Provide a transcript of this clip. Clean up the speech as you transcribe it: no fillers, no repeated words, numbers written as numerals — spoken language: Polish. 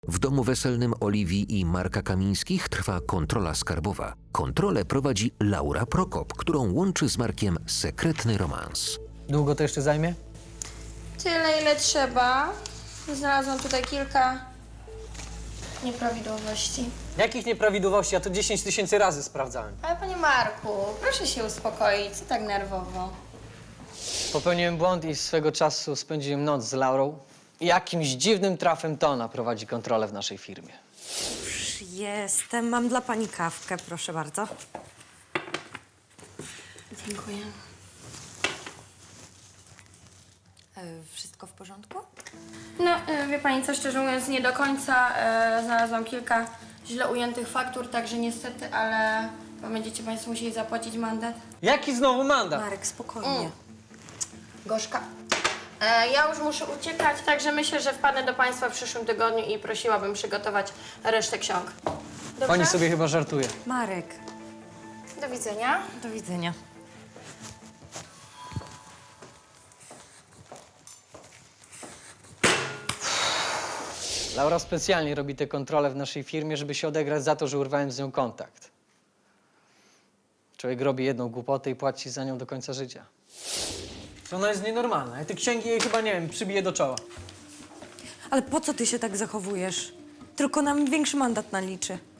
W domu weselnym Oliwii i Marka Kamińskich trwa kontrola skarbowa. Kontrolę prowadzi Laura Prokop, którą łączy z Markiem sekretny romans. Długo to jeszcze zajmie? Tyle, ile trzeba. Znalazłam tutaj kilka nieprawidłowości. Jakich nieprawidłowości? Ja to 10 000 razy sprawdzałem. Ale panie Marku, proszę się uspokoić, co tak nerwowo? Popełniłem błąd i swego czasu spędziłem noc z Laurą. I jakimś dziwnym trafem to ona prowadzi kontrolę w naszej firmie. Już jestem. Mam dla pani kawkę, proszę bardzo. Dziękuję. Wszystko w porządku? No, wie pani co, szczerze mówiąc, nie do końca. Znalazłam kilka źle ujętych faktur, także niestety, ale będziecie państwo musieli zapłacić mandat. Jaki znowu mandat? Marek, spokojnie. Gorzka. Ja już muszę uciekać, także myślę, że wpadnę do państwa w przyszłym tygodniu i prosiłabym przygotować resztę ksiąg. Dobrze? Pani sobie chyba żartuje. Marek, Do widzenia. do widzenia. Laura specjalnie robi te kontrole w naszej firmie, żeby się odegrać za to, że urwałem z nią kontakt. Człowiek robi jedną głupotę i płaci za nią do końca życia. Ona jest nienormalna. Ja te księgi jej chyba, nie wiem, przybiję do czoła. Ale po co ty się tak zachowujesz? Tylko nam większy mandat naliczy.